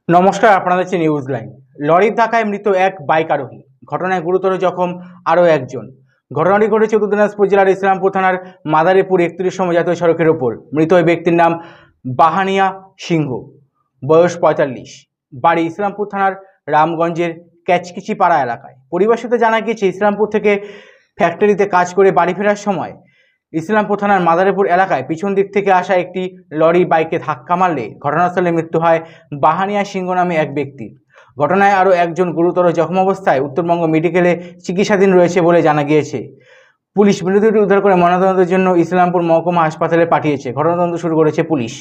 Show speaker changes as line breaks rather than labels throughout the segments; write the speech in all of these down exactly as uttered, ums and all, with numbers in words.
নমস্কার, আপনারা দেখছেন নিউজ লাইন। লরির ধাক্কায় মৃত এক বাইক আরোহী, ঘটনায় গুরুতর জখম আরও একজন। ঘটনাটি ঘটেছে উত্তর দিনাজপুর জেলার ইসলামপুর থানার মাদারীপুর একত্রিশ নম্বর জাতীয় সড়কের ওপর। মৃত ওই ব্যক্তির নাম বাহানিয়া সিংহ, বয়স পঁয়তাল্লিশ, বাড়ি ইসলামপুর থানার রামগঞ্জের ক্যাচকিচি পাড়া এলাকায়। পরিবার সূত্রে জানা গিয়েছে, ইসলামপুর থেকে ফ্যাক্টরিতে কাজ করে বাড়ি ফেরার সময় ইসলামপুর থানার মাদারীপুর এলাকায় পিছন দিক থেকে আসা একটি লরি বাইকে ধাক্কা মারলে ঘটনাস্থলে মৃত্যু হয় বাহানিয়া সিংহ নামে এক ব্যক্তির। ঘটনায় আরও একজন গুরুতর জখম অবস্থায় উত্তরবঙ্গ মেডিকেলে চিকিৎসাধীন রয়েছে বলে জানা গিয়েছে। পুলিশ মৃতদেহটি উদ্ধার করে ময়নাতদন্তের জন্য ইসলামপুর মহকুমা হাসপাতালে পাঠিয়েছে। ঘটনাতদন্ত শুরু করেছে পুলিশ।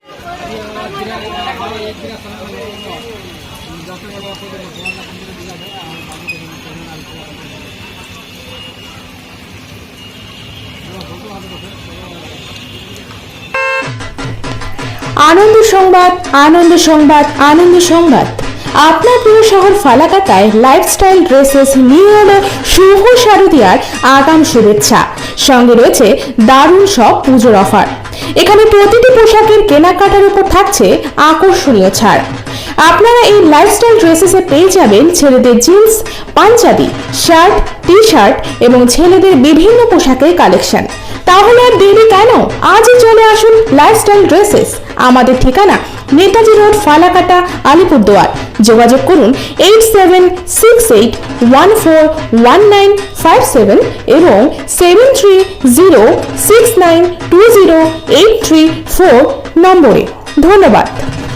আনন্দ সংবাদ, আনন্দ সংবাদ, আনন্দ সংবাদ। আপনার প্রিয় শহর ফালাকাটায় লাইফস্টাইল ড্রেসেস নিয়ে এলো শুভ শারদীয়ার আগাম শুভেচ্ছা। সঙ্গে রয়েছে দারুণ সব পুজোর অফার। এখানে প্রতিটি পোশাকের কেনাকাটার উপর থাকছে আকর্ষণীয় ছাড়। আপনারা এই লাইফস্টাইল ড্রেসেসে পেয়ে যাবেন ছেলেদের jeans, panjabi, shirt, T shirt এবং ছেলেদের বিভিন্ন পোশাকের কালেকশন। তাহলে আর দেরি কেন? আজই চলে আসুন লাইফস্টাইল ড্রেসেস। আমাদের ঠিকানা নেতাজি রোড, ফালাকাটা, আলিপুরদুয়ার। যোগাযোগ করুন eight seven six eight one four one nine five seven এবং seven three zero six nine two zero eight three four নম্বরে। ধন্যবাদ।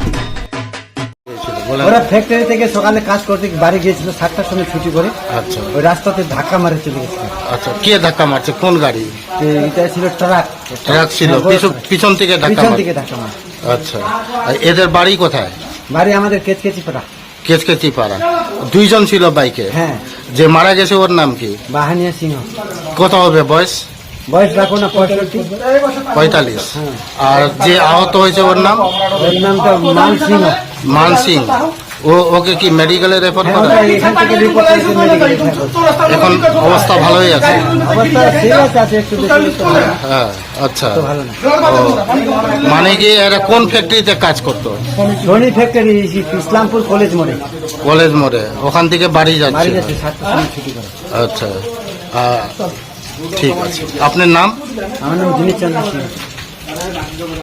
ওরা ফ্যাক্টরি থেকে সকালে কাজ করতে বাড়ি গিয়েছিল, সাতটার সময় ছুটি করে।
আচ্ছা,
ওই রাস্তাতে ধাক্কা মারে চলে গেছে।
আচ্ছা, কে ধাক্কা মারছে? কোন গাড়ি?
এটা ছিল ট্রাক।
ট্রাক ছিল, পিছন- পিছন থেকে ধাক্কা
পিছন
মারছে।
থেকে ধাক্কা মারে।
আচ্ছা, আর এদের বাড়ি কোথায়?
বাড়ি আমাদের কেচকেচি পাড়া।
কেচকেচি পাড়া। দুইজন ছিল বাইকে।
হ্যাঁ।
যে মারা গেছে ওর নাম কি?
বাহানিয়া সিংহ।
কত হবে বয়স?
বয়স রাখো না পঁয়ষট্টি।
পঁয়তাল্লিশ।
হ্যাঁ।
আর যে আহত হয়েছে ওর নাম?
ওর নামটা মান সিংহ।
মান সিং। ও ওকে কি মেডিকেলে রেফার
হ্যাঁ,
করা?
ওটা এখান থেকে রিপোর্ট করেছে মেডিকেলে রেফার।
এখন অবস্থা ভালোই আছে?
অবস্থা সিরিয়াস আছে, একটু বেশি তো ভালো না।
হ্যাঁ। আচ্ছা,
তো ভালো না।
ও, মানে কি এরা কোন ফ্যাক্টরিতে কাজ করতো?
ধনী ফ্যাক্টরি, ইসলামপুর কলেজ মোড়ে।
কলেজ মোড়ে। ওখান থেকে বাড়ি
বাড়ি
যাচ্ছে?
যাচ্ছে, সাতটার সময় ছুটি করে।
আচ্ছা, আহ, ঠিক আছে। আপনার নাম?
আমার নাম দিনেশ চন্দ্র সিংহ।